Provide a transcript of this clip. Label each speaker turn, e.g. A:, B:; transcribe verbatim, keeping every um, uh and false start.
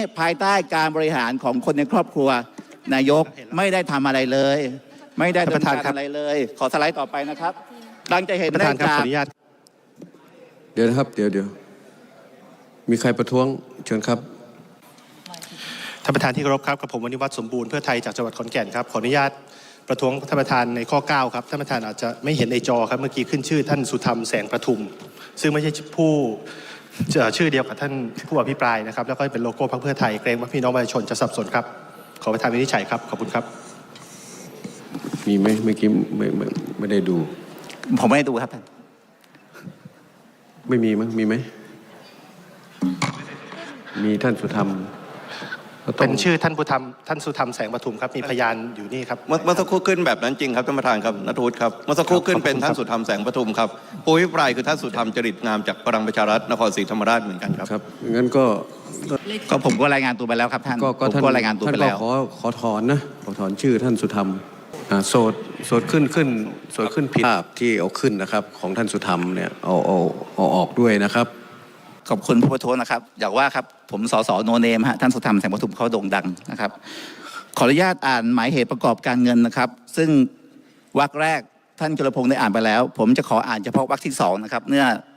A: ภายใต้การบริหารของคนในครอบครัวนายกไม่ได้ทำอะไรเลยไม่ได้ดำเนินการอะไรเลยขอสไลด์ต่อไปนะครับดังจะเห็นได้จาก
B: เดี๋ยวนะครับเดี๋ยวเดี๋ยวมีใครประท้วงเชิญครับ
C: ท่านประธานที่เคารพครับกับผมวณิวัฒน์สมบูรณ์เพื่อไทยจากจังหวัดขอนแก่นครับขออนุญาตประท้วงท่านประธานในข้อเก้าครับท่านประธานอาจจะไม่เห็นในจอครับเมื่อกี้ขึ้นชื่อท่านสุธรรมแสงประทุมซึ่งไม่ใช่ผู้ชื่อเดียวกับท่านผู้อภิปรายนะครับแล้วก็เป็นโลโก้พรรคเพื่อไทยเกรงว่าพี่น้องประชาชนจะสับสนครับขอประธานวินิจฉัยครับขอบคุณครับ
B: มีไหมเมื่อกี้ไม่ไม่ไม่ได้ดู
A: ผมไม่ได้ดูครับท่าน
B: ไม่มีมั้งมีไหมมีท่านสุธรรม
C: เป็นชื่อท่านผู้ทำท่านสุธรรมแสงประทุมครับมีพยานอยู่นี่ครับ
D: เมื่อสักครู่ขึ้นแบบนั้นจริงครับท่านประธานครับณัฐวุฒิครับเมื่อสักครู่ขึ้นเป็นท่านสุธรรมแสงประทุมครับผู้อภิปรายคือท่านสุธรรมจริตงามจากพลังประชารัฐนครศรีธรรมราชเหมือนกันครับ
B: ครับงั้นก็
A: ก็ผมก็รายงานตัวไปแล้วครับท่าน
B: ก็ท่าน
A: ก็รายงานตัวไปแล้ว
B: ขอขอถอนนะขอถอนชื่อท่านสุธรรมโสดโสดขึ้นขึ้นโสดขึ้นผิดภาพที่เอาขึ้นนะครับของท่านสุธรรมเนี่ยเอาเอาเอาออกด้วยนะครับ
A: ขอบคุณผู้ประท้วงนะครับอยากว่าครับผมสสโนเนมฮะท่านสุธรรมแสงประทุมเขาโด่งดังนะครับขออนุญาตอ่านหมายเหตุประกอบการเงินนะครับซึ่งวรรคแรกท่านจุลพงศ์ได้อ่านไปแล้วผมจะขออ่านเฉพาะวรรคที่สองนะครับเนื่อ